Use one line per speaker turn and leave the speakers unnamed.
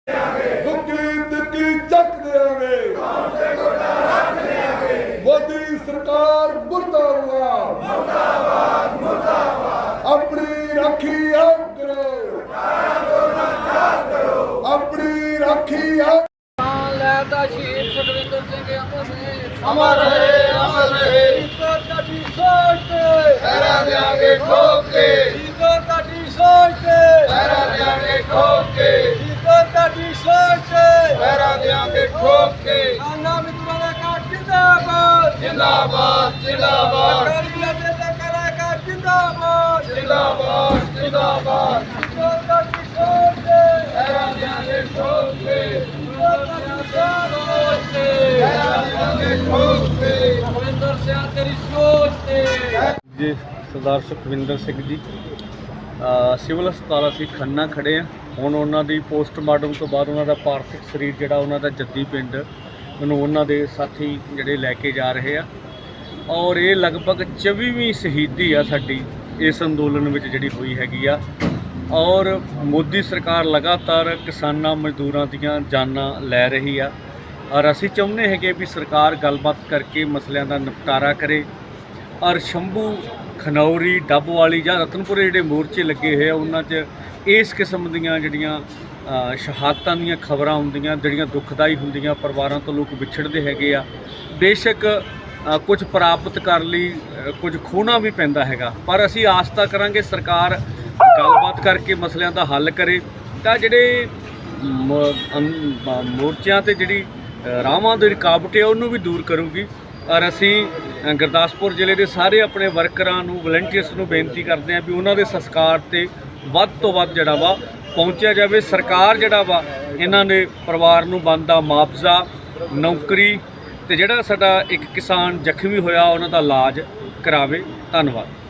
ਦੁੱਕੀ ਦੁੱਕੀ ਚੱਕ ਦੇਵਾਂਗੇ, ਮੋਦੀ ਸਰਕਾਰ ਮੁਰਦਾਬਾਦ, ਮੁਰਦਾਬਾਦ ਮੁਰਦਾਬਾਦ। ਆਪਣੀ ਰਾਖੀ ਆਪ ਕਰੋ, ਆਪਣੀ ਰਾਖੀ ਆਪ।
ਲੈਦਾ ਸ਼ਹੀਦ ਸੁਖਵਿੰਦਰ ਸਿੰਘ
ਅਮਰ ਰਹੇ, ਅਮਰ ਰਹੇ।
ਤੁਹਾਡੀ ਸੋਚ ਤੇ
ਪਹਿਰਾ ਦਿਆਂਗੇ ਠੋਕ ਕੇ,
ਤੁਹਾਡੀ ਸੋਚ ਤੇ
ਪਹਿਰਾ ਦਿਆਂਗੇ ਠੋਕ ਕੇ,
ਤੁਹਾਡੀ ਸੋਚ ਤੇ
ਪਹਿਰਾ ਦਿਆਂਗੇ ਠੋਕ ਕੇ।
ਆਨਾ ਮਿੱਤਰਾਂ ਦਾ ਕਾਟ ਜਿੰਦਾਬਾਦ,
ਜਿੰਦਾਬਾਦ ਜਿੰਦਾਬਾਦ
ਅਕਾਲੀ ਦਲ ਦੇ ਕਲਾਕਾਰ ਜਿੰਦਾਬਾਦ,
ਜਿੰਦਾਬਾਦ ਜਿੰਦਾਬਾਦ।
ਤੁਹਾਡੀ ਸੋਚ ਤੇ
ਪਹਿਰਾ ਦਿਆਂਗੇ ਠੋਕ ਕੇ,
ਤੁਹਾਡੀ ਸੋਚ ਤੇ
ਪਹਿਰਾ ਦਿਆਂਗੇ ਠੋਕ ਕੇ।
ਸੁਖਵਿੰਦਰ ਸਿੰਘ ਤੇਰੀ ਸੋਚ ਤੇ
ਜੀ ਸਰਦਾਰ ਸੁਖਵਿੰਦਰ ਸਿੰਘ ਜੀ ਸਿਵਲ ਹਸਪਤਾਲ ਅਸੀਂ ਖੰਨਾ ਖੜੇ ਹਾਂ। ਹੁਣ ਉਹਨਾਂ ਦੀ ਪੋਸਟਮਾਰਟਮ ਤੋਂ ਬਾਅਦ ਉਹਨਾਂ ਦਾ ਪਾਰਥਿਵ ਸਰੀਰ ਜਿਹੜਾ ਉਹਨਾਂ ਦਾ ਜੱਦੀ ਪਿੰਡ ਮੈਨੂੰ ਉਹਨਾਂ ਦੇ ਸਾਥੀ ਜਿਹੜੇ ਲੈ ਕੇ ਜਾ ਰਹੇ ਆ। ਔਰ ਇਹ ਲਗਭਗ 24ਵੀਂ ਸ਼ਹੀਦੀ ਆ ਸਾਡੀ ਇਸ ਅੰਦੋਲਨ ਵਿੱਚ ਜਿਹੜੀ ਹੋਈ ਹੈਗੀ ਆ। ਔਰ ਮੋਦੀ ਸਰਕਾਰ ਲਗਾਤਾਰ ਕਿਸਾਨਾਂ ਮਜ਼ਦੂਰਾਂ ਦੀਆਂ ਜਾਨਾਂ ਲੈ ਰਹੀ ਆ। ਔਰ ਅਸੀਂ ਚਾਹੁੰਦੇ ਹੈਗੇ ਵੀ ਸਰਕਾਰ ਗੱਲਬਾਤ ਕਰਕੇ ਮਸਲਿਆਂ ਦਾ ਨਿਪਟਾਰਾ ਕਰੇ। ਔਰ ਸ਼ੰਭੂ ਖਨੌਰੀ ਡੱਬਵਾਲੀ ਜਾਂ ਰਤਨਪੁਰੇ ਜਿਹੜੇ ਮੋਰਚੇ ਲੱਗੇ ਹੋਏ ਆ ਉਹਨਾਂ 'ਚ ਇਸ ਕਿਸਮ ਦੀਆਂ ਜਿਹੜੀਆਂ ਸ਼ਹਾਦਤਾਂ ਦੀਆਂ ਖਬਰਾਂ ਹੁੰਦੀਆਂ, ਜਿਹੜੀਆਂ ਦੁਖਦਾਈ ਹੁੰਦੀਆਂ, ਪਰਿਵਾਰਾਂ ਤੋਂ ਲੋਕ ਵਿਛੜਦੇ ਹੈਗੇ ਆ। ਬੇਸ਼ੱਕ ਕੁਝ ਪ੍ਰਾਪਤ ਕਰਨ ਲਈ ਕੁਝ ਖੋਣਾ ਵੀ ਪੈਂਦਾ ਹੈਗਾ, ਪਰ ਅਸੀਂ ਆਸ ਤਾਂ ਕਰਾਂਗੇ ਸਰਕਾਰ ਗੱਲਬਾਤ ਕਰਕੇ ਮਸਲਿਆਂ ਦਾ ਹੱਲ ਕਰੇ ਤਾਂ ਜਿਹੜੇ ਮੋਰਚਿਆਂ 'ਤੇ ਜਿਹੜੀ ਰਾਹਾਂ ਦੀ ਰੁਕਾਵਟ ਹੈ ਉਹਨੂੰ ਵੀ ਦੂਰ ਕਰੂਗੀ। ਔਰ ਅਸੀਂ ਗੁਰਦਾਸਪੁਰ ਜ਼ਿਲ੍ਹੇ ਦੇ ਸਾਰੇ ਆਪਣੇ ਵਰਕਰਾਂ ਨੂੰ, ਵਲੰਟੀਅਰਸ ਨੂੰ ਬੇਨਤੀ ਕਰਦੇ ਹਾਂ ਵੀ ਉਹਨਾਂ ਦੇ ਸੰਸਕਾਰ 'ਤੇ ਵੱਧ ਤੋਂ ਵੱਧ ਜਿਹੜਾ ਵਾ ਪਹੁੰਚਿਆ ਜਾਵੇ। ਸਰਕਾਰ ਜਿਹੜਾ ਵਾ ਇਹਨਾਂ ਦੇ ਪਰਿਵਾਰ ਨੂੰ ਬਣਦਾ ਮੁਆਵਜ਼ਾ, ਨੌਕਰੀ, ਅਤੇ ਜਿਹੜਾ ਸਾਡਾ ਇੱਕ ਕਿਸਾਨ ਜ਼ਖਮੀ ਹੋਇਆ ਉਹਨਾਂ ਦਾ ਇਲਾਜ ਕਰਾਵੇ। ਧੰਨਵਾਦ।